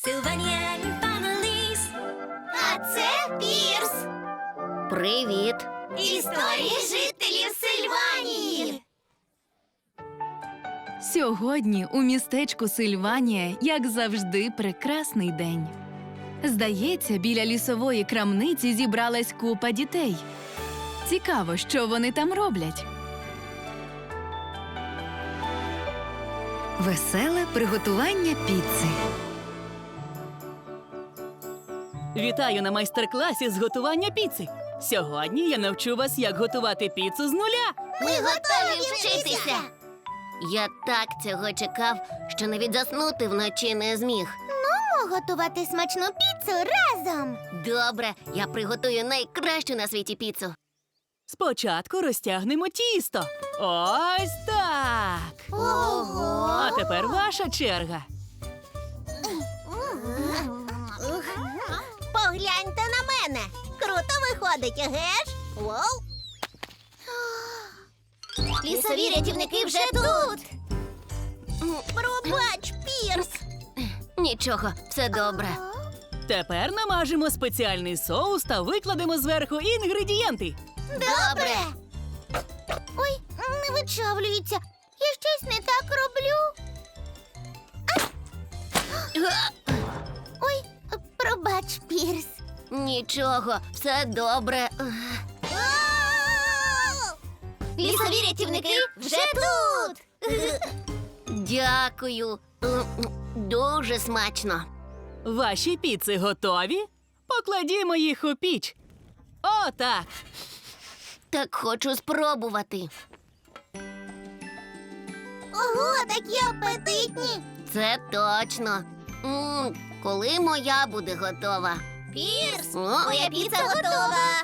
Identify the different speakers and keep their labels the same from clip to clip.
Speaker 1: Sylvanian Families. А це Пірс.
Speaker 2: Привіт!
Speaker 1: Історії жителів Сильванії.
Speaker 3: Сьогодні у містечку Сильванія, як завжди, прекрасний день. Здається, біля лісової крамниці зібралась купа дітей. Цікаво, що вони там роблять. Веселе приготування піци.
Speaker 4: Вітаю на майстер-класі з готування піци. Сьогодні я навчу вас, як готувати піцу з нуля.
Speaker 2: Ми готові вчитися! Я так цього чекав, що навіть заснути вночі не зміг.
Speaker 1: Готувати смачну піцу разом.
Speaker 2: Добре, я приготую найкращу на світі піцу.
Speaker 4: Спочатку розтягнемо тісто. Ось так.
Speaker 1: Ого!
Speaker 4: А тепер ваша черга.
Speaker 1: Погляньте на мене. Круто виходить, еге ж? Воу! Лісові рятівники вже тут. Пробач, Пірс.
Speaker 2: Нічого, все добре.
Speaker 4: Тепер намажемо спеціальний соус та викладемо зверху інгредієнти.
Speaker 1: Добре. Ой, не вичавлюється. Я щось не так роблю. Ой, пробач, Пірс.
Speaker 2: Нічого, все добре.
Speaker 1: Лісові рятівники вже тут.
Speaker 2: Дякую. Дуже смачно.
Speaker 4: Ваші піци готові? Покладімо їх у піч. Отак.
Speaker 2: Так хочу спробувати.
Speaker 1: Ого, такі апетитні.
Speaker 2: Це точно. Коли моя буде готова?
Speaker 1: Пірс,
Speaker 2: О,
Speaker 1: моя піца готова.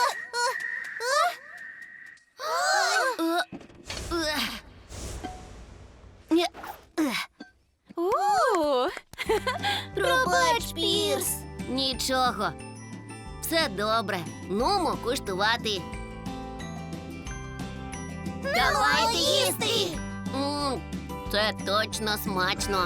Speaker 2: Ні.
Speaker 1: Пробач, Пірс.
Speaker 2: Нічого. Все добре. Нумо куштувати.
Speaker 1: Давайте їсти.
Speaker 2: Це точно смачно.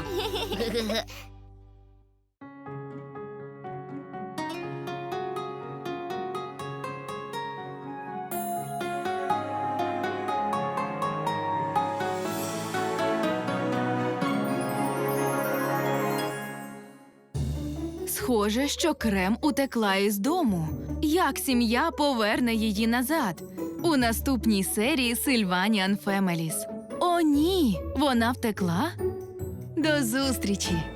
Speaker 3: Схоже, що Крем утекла із дому. Як сім'я поверне її назад? У наступній серії Sylvanian Families. О, ні! Вона втекла? До зустрічі!